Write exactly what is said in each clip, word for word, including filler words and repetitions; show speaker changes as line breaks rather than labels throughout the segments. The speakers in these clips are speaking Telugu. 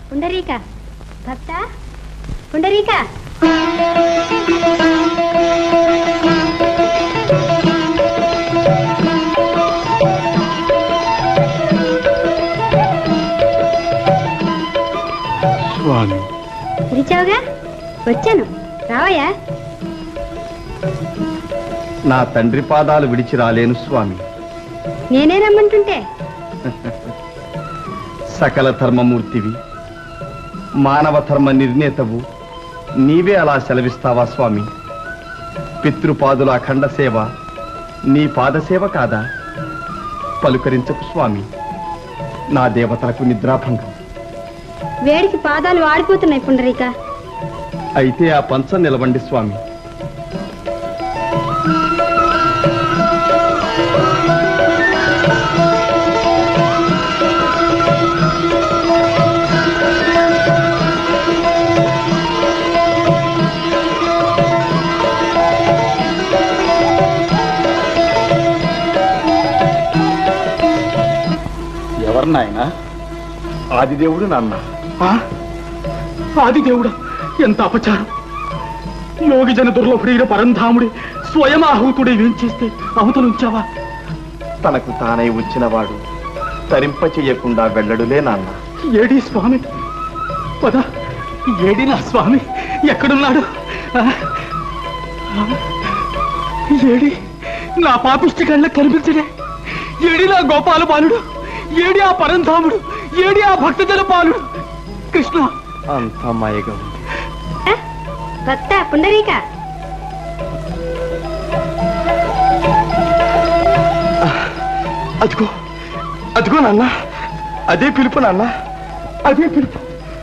పుండరీక భక్త పుండరీక
స్వామి
పిలిచావుగా వచ్చాను రావయ్యా.
నా తండ్రి పాదాలు విడిచి రాలేను స్వామి.
నేనే రమ్మంటుంటే
సకల ధర్మమూర్తివి, మానవ ధర్మ నిర్ణేతవు, నీవే అలా సెలవిస్తావా స్వామి? పితృపాదుల అఖండ సేవ నీ పాదసేవ కాదా? పలుకరించకు స్వామి, నా దేవతలకు నిద్రాభంగం.
వేడికి పాదాలు వాడిపోతున్నాయి పుండరీక.
అయితే ఆ పంచం నిలవండి స్వామి. ఎవరు నాయన? ఆదిదేవుడు నాన్న.
ఆదిదేవుడా, ఎంత అపచారం! యోగి జన దుర్లభుడైన పరంధాముడి స్వయం ఆహూతుడే ఏం చేస్తే అవతలుంచావా?
తనకు తానై వచ్చినవాడు తరింప చెయ్యకుండా వెళ్ళడులే నాన్న.
ఏడి స్వామి? పద, ఏడి నా స్వామి? ఎక్కడున్నాడు? ఏడి నా పాపిష్టి కళ్ళ కనిపించడే? ఏడి నా గోపాల బాలుడు? ఏడి ఆ పరంధాముడు? ఏడి ఆ భక్తజన పాలుడు? కృష్ణ,
అంత మాయగా ఉంది.
భక్త పుండరీక
అదిగో అదిగో నాన్న, అదే పిలుపు నాన్న, అదే పిలుపు.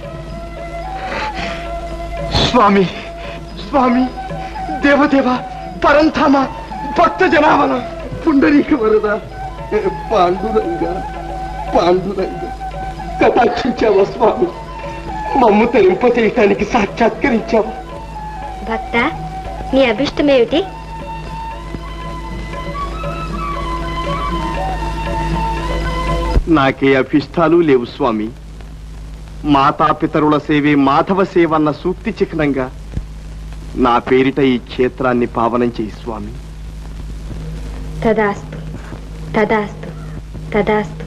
స్వామి స్వామి, దేవదేవ, పరంధామ, భక్త జనావన, పుండరీక వరద, పాండురంగ పాండురంగ, కటాక్షించావా స్వామి? మమ్ము తరింప చేయటానికి సాక్షాత్కరించావా?
భక్త, నీ అభిష్టమేమిటి?
నాకే అభిష్టాలు లేవు స్వామి. మాతాపితరుల సేవే మాధవ సేవ అన్న సూక్తి చిహ్నంగా నా పేరిట ఈ క్షేత్రాన్ని పావనం చేయి స్వామి.
తదాస్తు తదాస్తు తదాస్తు.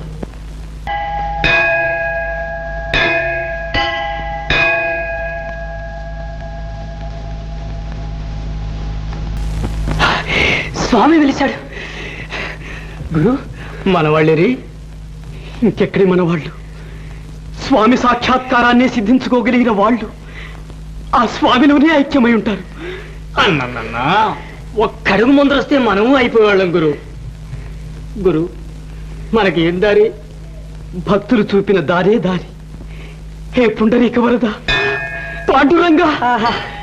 స్వామి వెలిశాడు. గురు, మనవాళ్ళేరి? ఇంకెక్కడి మనవాళ్ళు? స్వామి సాక్షాత్కారాన్ని సిద్ధించుకోగలిగిన వాళ్ళు ఆ స్వామిలోనే ఐక్యమై ఉంటారు. అన్నన్నా, ఒక్కడుగు ముందరొస్తే మనము అయిపోయేవాళ్ళం గురు. గురు, మనకి ఏం దారి? భక్తులు చూపిన దారే దారి. హే పుండరీక వరద, పాండురంగా,